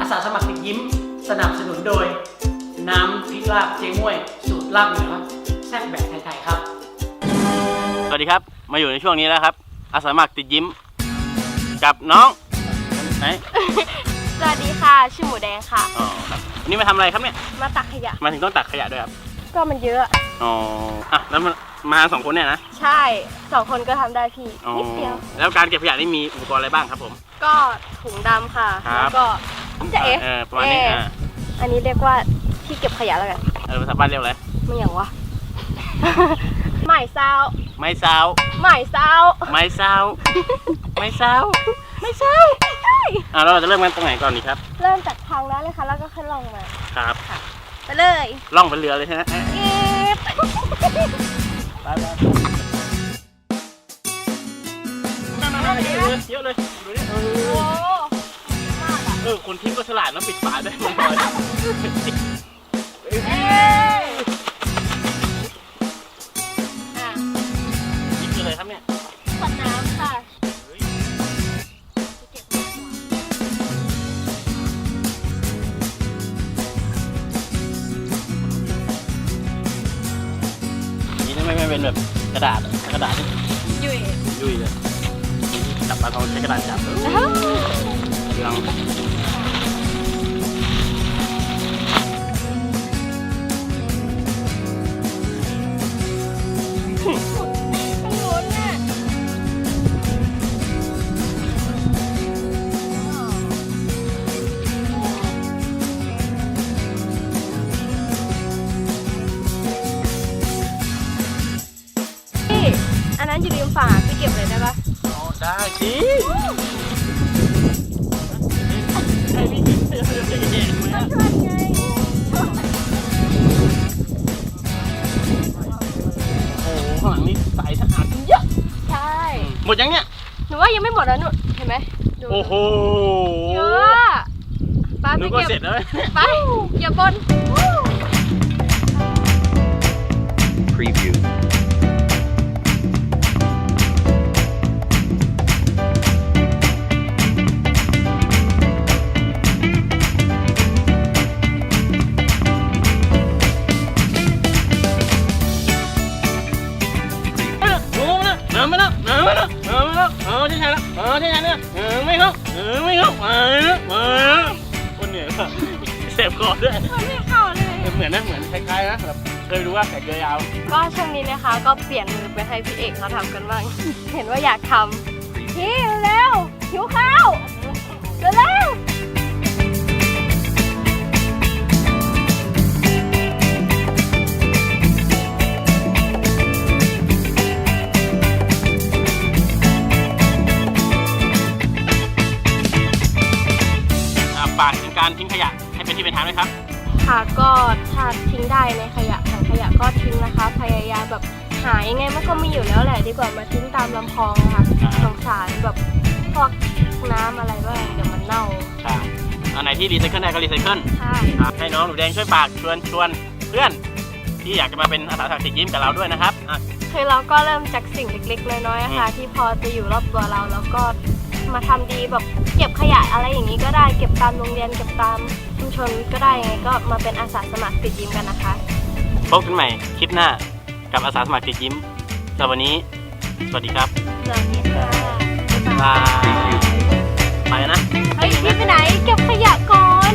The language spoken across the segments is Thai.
สาสมัครติดยิ้มสนับสนุนโดยน้ำพริกลาบเจ๊ม่วยสูตรลาบเหนือแซ่บแบบไทยๆครับสวัสดีครับมาอยู่ในช่วงนี้แล้วครับอาสาสมัครติดยิ้มกับน้องไหนสวัสดีค่ะชื่อหมูแดงค่ะอ๋อครับวันนี้มาทำอะไรครับเนี่ยมาตักขยะมาถึงต้องตักขยะด้วยครับก็มันเยอะอ๋ออ่ะแล้วมา2 คนเนี่ยนะใช่2 คนก็ทำได้พี่นิดเดียวแล้วการเก็บขยะนี่มีอุปกรณ์อะไรบ้างครับผมก็ถุงดำค่ะแล้วก็จะประมาณนี้อันนี้เรียกว่าที่เก็บขยะแล้วกันภาษาบ้านเรียกอะไรไม่อย่างวะไม้ซาวไม่ซาวไม่ซาวไม่ซาวไม่ซาวไม่ใช่เราจะเริ่มกันตรงไหนก่อนดีครับเริ่มจากทางนั้นเลยค่ะแล้วก็ขึ้นลงมาครับไปเลยล่องเป็นเรือเลยใช่ไหมไปเยอะเลยดูนี่คนทิ้งก็ฉลาดนะปิดฝาด้วยมันลอยนี่คืออะไรครับเนี่ยขวดน้ำค่ะนี่ไม่เป็นแบบกระดาษยุ่ยเลยจับปลาทองใช้กระดาษจับลองอันนั้นอยู่ริมฝั่งพี่เก็บเลยได้ปะได้สิไอ้พี่เสือเด็กๆมาช่วยไงโอ้ข้างหลังนี่ใสสะอาดเยอะใช่หมดยังเนี่ยหนูว่ายังไม่หมดแล้วหนูเห็นไหมโอ้โหเยอะไปหนูก็เสร็จแล้วไปอย่าบน Preview ไม่ใช่แล้วไม่เข้าคนเหนื่อยป่ะเสพคอด้วยไม่เข้าเลยเหมือนคล้ายๆนะแบบเคยดูว่าแขกเรือยาวก็ช่วงนี้นะคะก็เปลี่ยนมือไปให้พี่เอกเขาทำกันบ้างเห็นว่าอยากทำพี่เร็วหิวข้าวเร็วฝากถึงการทิ้งขยะให้เป็นที่เป็นทางด้วยครับค่ะก็ถ้าทิ้งได้ในถังขยะก็ทิ้งนะคะพยายามแบบหายังไงมันก็มีอยู่แล้วแหละดีกว่ามาทิ้งตามลำคลองนะคะสงสารแบบพวกน้ำอะไรบ้างเดี๋ยวมันเน่าอันไหนที่รีไซเคิลได้ก็รีไซเคิลใช่ให้น้องหนูแดงช่วยฝากชวนเพื่อนที่อยากจะมาเป็นอาสาสมัครติดยิ้มกับเราด้วยนะครับคือเราก็เริ่มจากสิ่งเล็กๆน้อยๆค่ะที่พอจะอยู่รอบตัวเราแล้วก็มาทำดีแบบเก็บขยะอะไรอย่างนี้ก็ได้เก็บตามโรงเรียนเก็บตามชุมชนก็ได้ยังไงก็มาเป็นอาสาสมัครติดยิ้มกันนะคะพบกันใหม่คลิปหน้ากับอาสาสมัครติดยิ้มสำหรับวันนี้สวัสดีครับสวัสดีค่ะบายไปนะเฮ้ยพี่ไปไหนเก็บขยะก่อน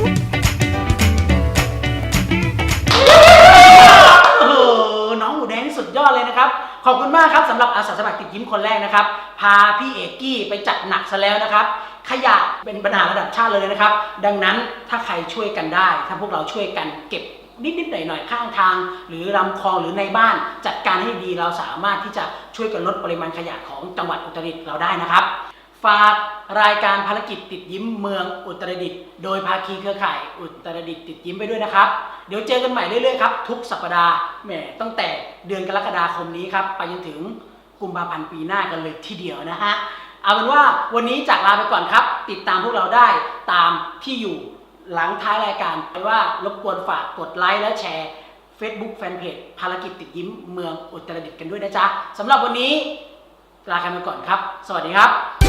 โอ้โหน้องหมูแดงสุดยอดเลยนะครับขอบคุณมากครับสำหรับอาสาสมัครติดยิ้มคนแรกนะครับพาพี่เอกกี้ไปจัดหนักซะแล้วนะครับขยะเป็นปัญหาระดับชาติเลยนะครับดังนั้นถ้าใครช่วยกันได้ถ้าพวกเราช่วยกันเก็บนิดๆหน่อยๆข้างทางหรือลำคลองหรือในบ้านจัดการให้ดีเราสามารถที่จะช่วยกันลดปริมาณขยะของจังหวัดอุตรดิตถ์เราได้นะครับฝากรายการภารกิจติดยิ้มเมืองอุตรดิตถ์โดยภาคีเครือข่ายอุตรดิตถ์ติดยิ้มไปด้วยนะครับเดี๋ยวเจอกันใหม่เรื่อยๆครับทุกสัปดาห์ตั้งแต่เดือนกรกฎาคมนี้ครับไปจนถึงกุมภาพันธ์ปีหน้ากันเลยทีเดียวนะฮะเอาเป็นว่าวันนี้จากลาไปก่อนครับติดตามพวกเราได้ตามที่อยู่หลังท้ายรายการไปว่ารบกวนฝากกดไลค์และแชร์ Facebook Fanpage ภารกิจติดยิ้มเมืองอุตรดิตถ์กันด้วยนะจ๊ะสำหรับวันนี้ลากันไปก่อนครับสวัสดีครับ